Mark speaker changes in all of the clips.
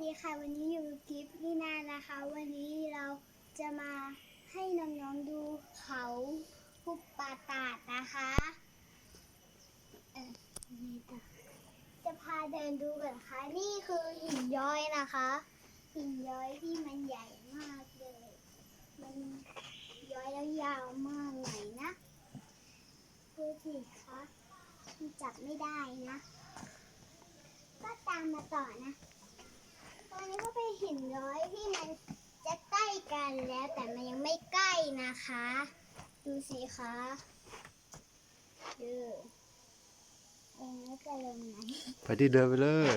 Speaker 1: ดีค่ะวันนี้อยู่กับกิฟต์นี่นานะคะ วันนี้เราจะมาให้น้องๆดูเขาหุบป่าตาดนะคะนี่ต่อจะพาเดินดูกันค่ะนี่คือหินย้อยนะคะหินย้อยที่มันใหญ่มากเลยมันย้อยแล้วยาวมากหน่อยนะดูสิคะจับไม่ได้นะก็ตามมาต่อนะตอนนี้ก็เป็นหินย้อยที่มันจะใกล้กันแล้วแต่มันยังไม่ใกล้นะคะ ดูสิคะดูเองไม่จะลงไหน
Speaker 2: ไปที่เดินไปเลย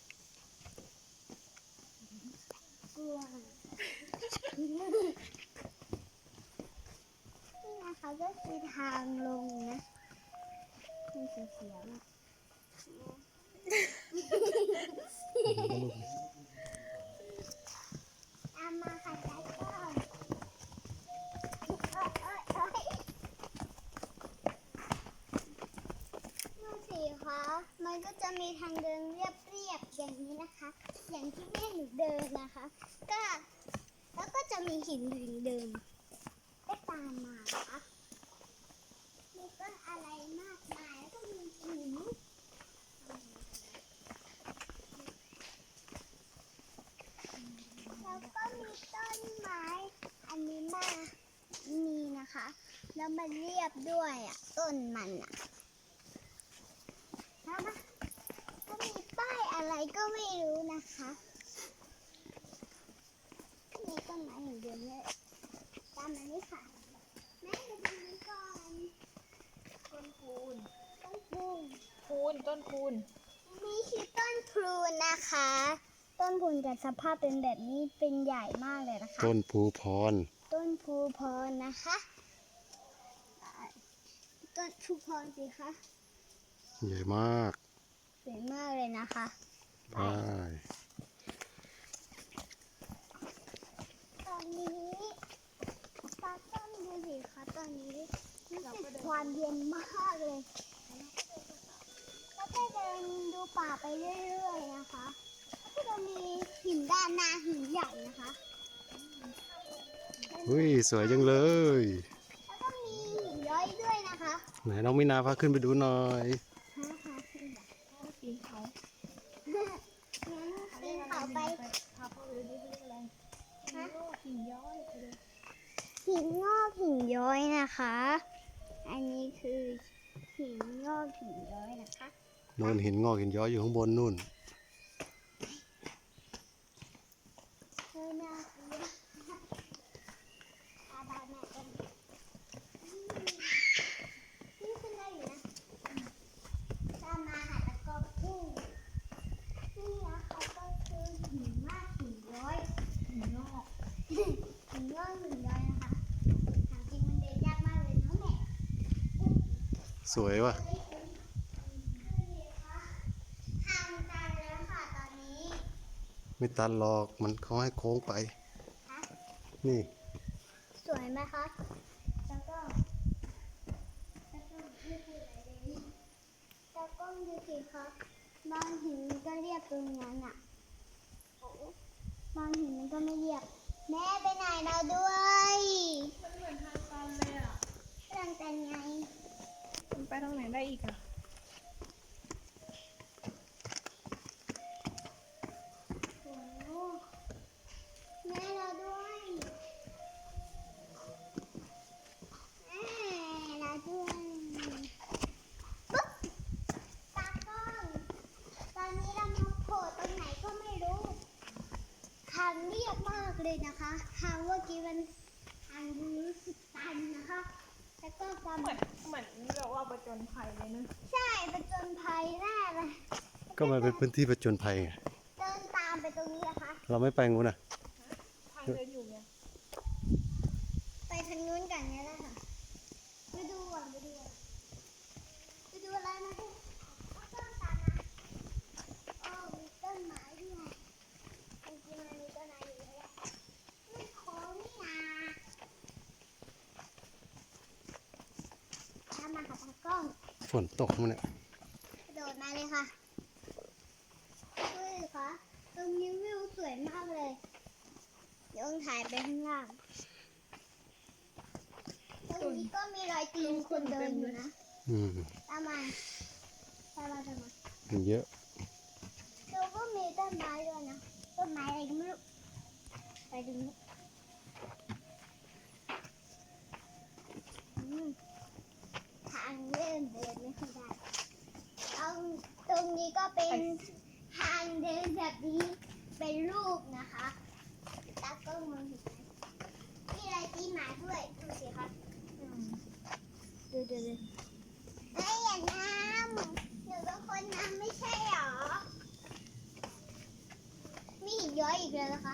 Speaker 1: กลัวนี่นะคะก็คือทางลงนะมันเสียวๆนะตามมาค่ะจ้าก้อนดูสิคะมันก็จะมีทางเดินเรียบๆอย่างนี้นะคะ อย่างที่แม่หนูเดินนะคะก็แล้วก็จะมีหินเดิมก็ตามมานะคะมีต้นอะไรมากมายแล้วก็มีหินแล้วก็มีต้นไม้อันนี้มากมีนะคะแล้วมันเรียบด้วยอ่ะต้นมันอ่ะแล้วมันก็มีป้ายอะไรก็ไม่รู้นะคะมีต้นไม้อย่างเดียวเลยตามมานี่ค่ะแม่ดูตรงนี้ก่อน
Speaker 3: ต้นคูน
Speaker 1: ต้นพูน
Speaker 3: ต้นคูน
Speaker 1: นี่คือต้นพลูนะคะ ต้นพลูจะสภาพเป็นแบบนี้เป็นใหญ่มากเลยนะคะ
Speaker 2: ต้นภูพร
Speaker 1: ต้นภูพรนะคะต้นภูพรสิคะ
Speaker 2: ใหญ่มาก
Speaker 1: สวยมากเลยนะคะ
Speaker 2: ไป
Speaker 1: ตอนนี้ตาต้นดูสิคะตอนนี้รู้สึกความเย็นมากเลยก็จะเดินดูป่าไปเรื่อยๆนะคะแล้วก็จะมีหินด้านหน้าหินใหญ่นะคะ
Speaker 2: อุ้ยสวยจังเลย
Speaker 1: แล้วก็มีหินย้อยด้วยนะคะ
Speaker 2: ไหนน้องมินาพาขึ้นไปดูหน่อย
Speaker 1: ฮะค่ะขึ้นแบบ
Speaker 3: ปีนเขา
Speaker 1: งั้นปีนเขาไป
Speaker 3: พาพ่อไปดูดิเขาเรียกอะไร
Speaker 1: ฮะ
Speaker 3: โลกหินย้อยไปเลย
Speaker 1: หินงอกหินย้อยนะคะ อันนี้คือหินงอกหินย้อยนะคะ
Speaker 2: โน่นหินงอกหินย้อยอยู่ข้างบนนู่น
Speaker 1: เฮ้ยน่ากลัวตาดำแม่กันนี่ขึ้นได้อยู่นะตามมาหาตะกอบกุ้งนี่นะคะก็คือหินมากหินย้อย
Speaker 3: หินงอก
Speaker 1: หินงอกหินย้อยนะคะถามจริงมันเดินยากมากเลยเนาะแม่
Speaker 2: สวยว่ะ
Speaker 1: ทางตันแล้วค่ะตอนนี้
Speaker 2: ไม่ตันหรอกมันเขาให้โค้งไป
Speaker 1: ฮะ
Speaker 2: นี่
Speaker 1: สวยไหมคะแล้วก็ไม่พูดอะไรเลยแล้วก็ดูสิคะบางหินมันก็เรียบตรงนั้นอ่ะบางหินมันก็ไม่เรียบ แม่ไปไหนเราด้วย
Speaker 3: มันเหมือนทางตันเลยอ่ะ
Speaker 1: ทางตันไง
Speaker 3: มันไปทางไหนได้อีกอ่ะ
Speaker 1: โอ้โหแม่เราด้วยแม่เราด้วยปุ๊บตากล้องตอนนี้เรามาโผล่ตรงไหนก็ไม่รู้ ทางเรียบมากเลยนะคะ ทางเมื่อกี้มันทางรู้สึกตันนะคะ แล้วก็กำ
Speaker 3: เหมือนแบบว่าประจนภัยเลยนะ
Speaker 1: ใช่ประจนภัยแน่เลย
Speaker 2: ก็มันเป็นพื้นที่ประจนภัยไง
Speaker 1: เดินตามไปตรงนี้นะคะ
Speaker 2: เราไม่ไปงูนนะ
Speaker 3: ทางเดินอยู่ไง
Speaker 1: ไปทางนู้นกันเนี่ยแหละค่ะไปดูก่อนไปดูก่อนไปดูอะไรนะพี่ต้นตาลนะอ๋อมีต้นไม้ด้วยจริงๆมันมีต้นไม้อยู่แล้วแหละมันโค้งนี่นาตามมาค่ะตากล้อง
Speaker 2: ฝนตกมันเนี่ย
Speaker 1: กระโดดมาเลยค่ะเฮ้ยคะตรงนี้วิวสถ่ายไปข้างล่างตรงนี้ก็มีรอยตีนคนเดินอยู่นะ
Speaker 2: อืม
Speaker 1: ตามมาตามมา
Speaker 2: มันเยอะ
Speaker 1: ดูก็มีต้นไม้ด้วยนะ ต้นไม้อะไรก็ไม่รู้ ไปดูนี่ทางเดินไม่ค่อยได้เอาตรงนี้ก็เป็นทางเดินแบบนี้เป็นรูปนะคะตากล้องมองเห็นไหมมีอะไรตีหมาด้วยดูสิคะ
Speaker 3: อืม
Speaker 1: ดูเอ้ยอย่าน้ำหนูเป็นคนน้ำไม่ใช่หรอ มีหินย้อยอีกแล้วนะคะ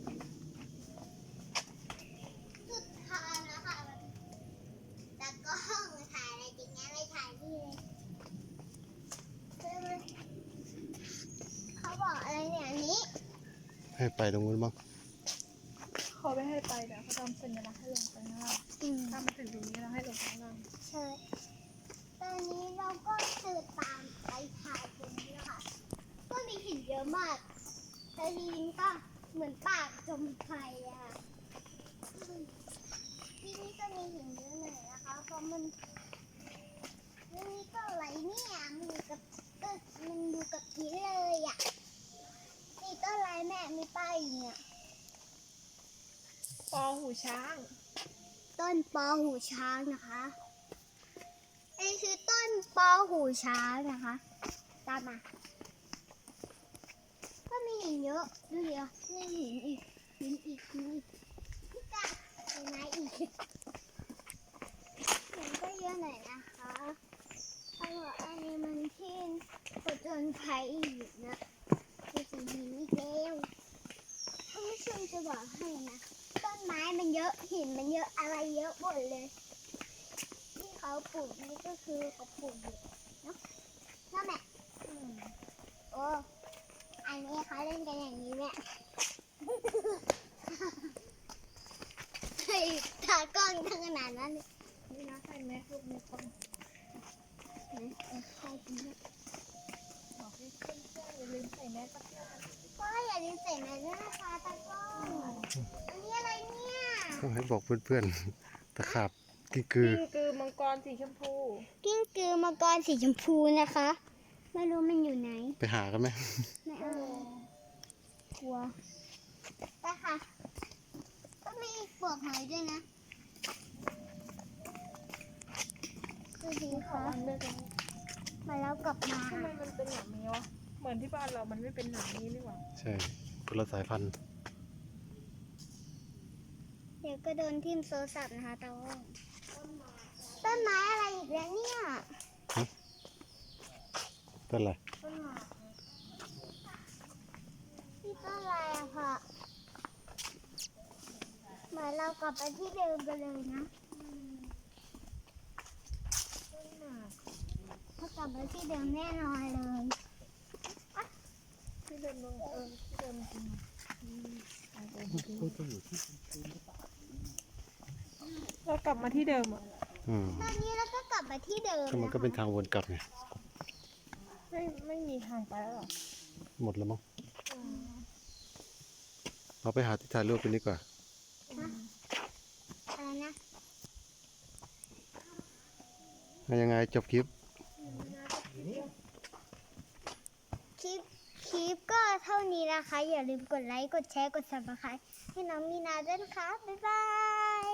Speaker 1: สุดทางนะคะแต่ก็ห้องถ่ายอะไรจริงนะไม่ถ่ายที่เลยเขาบอกอะไรเนี่ยอันนี้
Speaker 2: ให้ไปตรงนู้นบ้าง
Speaker 3: เขาไม่ให้ไปเดี๋ยวเขาทำสัญลักษณ์ให้ลงไปข้างล่างถ้ามาถึงตรงนี้เราให้ลงไปข้างล่าง
Speaker 1: ใช่ ตอนนี้เราก็เดินตามไปถ่ายตรงนี้นะคะก็มีหินเยอะมาก แต่ทีนี้ก็เหมือนปากจมไฟอะค่ะที่นี่ก็มีหินเยอะหน่อยนะคะ เพราะมันเรื่องนี้ก็อะไรเนี่ยมันอยู่กับที่เลยอ่ะนี่ต้นอะไรแม่มีป้ายอยู่เนี่ย
Speaker 3: ปอหูช้าง
Speaker 1: ต้นปอหูช้างนะคะอันนี้คือต้นปอหูช้างนะคะ ตามมา ก็มีหินเยอะดูเดียวนี่หินอีกพี่กาเห็นไหมอีกหินก็เยอะหน่อยนะคะเขาบอกอันนี้มันที่ผจญภัยอีกนะมีสีหินอีกแล้วท่านผู้ชมจะบอกให้นะต้นไม้มันเยอะหินมันเยอะอะไรเยอะหมดเลยที่เขาปลูกนี่ก็คือเขาปลูกอยู่เนาะนั่นแหละโอ้อันนี้เขาเล่นกันอย่างนี้เนี่ย เฮ้ยตากล้องทั้งขนาดนั้นเลย
Speaker 3: นี่นะใส่แมสลูกมีคน
Speaker 1: ใครกินเนี่ย
Speaker 3: บอกให้เพื่อนๆอย่าลืมใส่แมสสักหน่อย
Speaker 1: ก็อย่าลืมใส่แมสด้วยนะคะตากล้องอันนี้อะไรเนี่ย
Speaker 2: ต้องให้บอกเพื่อนๆ ตะขาบกิ้งกือ
Speaker 3: กิ้งกือมังกรสีชมพู
Speaker 1: กิ้งกือมังกรสีชมพูนะคะ ไม่รู้มันอยู่ไหน
Speaker 2: ไปหากันไหม
Speaker 1: ไม่เอากลัวไปค่ะ ก็มีปลวกหอยด้วยนะดูสิ
Speaker 3: ขอ
Speaker 1: คะ
Speaker 3: วันเลือกกัน
Speaker 1: มาแล้วกลับมา
Speaker 3: ทำไมมันเป็นแบบนี้วะ เหมือนที่บ้านเรามันไม่เป็นหนังนี้นี่หว่า
Speaker 2: ใช่คนละสายพันธุ์
Speaker 1: เดี๋ยวก็โดนทิ่มโทรศัพท์นะคะตากล้องต้นไม้อะไรอีกแล้วเนี่ย
Speaker 2: ต้นอะไร
Speaker 3: ต้นหมาก
Speaker 1: นี่ต้นอะไรอะค่ะเหมือนเรากลับไปที่เดิมกันเลยนะ
Speaker 3: ต้นหมาก
Speaker 1: ถ้ากลับไปที่เดิมแน่นอนเลย
Speaker 3: ที่เดิมที่เดิมจริงเรากลับมาที่เดิมอ่ะ
Speaker 2: อืม
Speaker 1: ตอนนี้เราก็กลับมาที่เดิม
Speaker 2: ก็มันก็เป็นทางวนกลับไง
Speaker 3: ไม่มีทางไปแล้วหรอ
Speaker 2: หมดแล้วมั้งเราไปหาที่ถ่ายรูปกันดีกว่า
Speaker 1: อะไรนะ
Speaker 2: ยังไงจบคลิป
Speaker 1: คลิปก็เท่านี้นะคะ อย่าลืมกดไลค์ กดแชร์ กด subscribe ให้น้องมีนาด้วยนะคะ บ๊ายบาย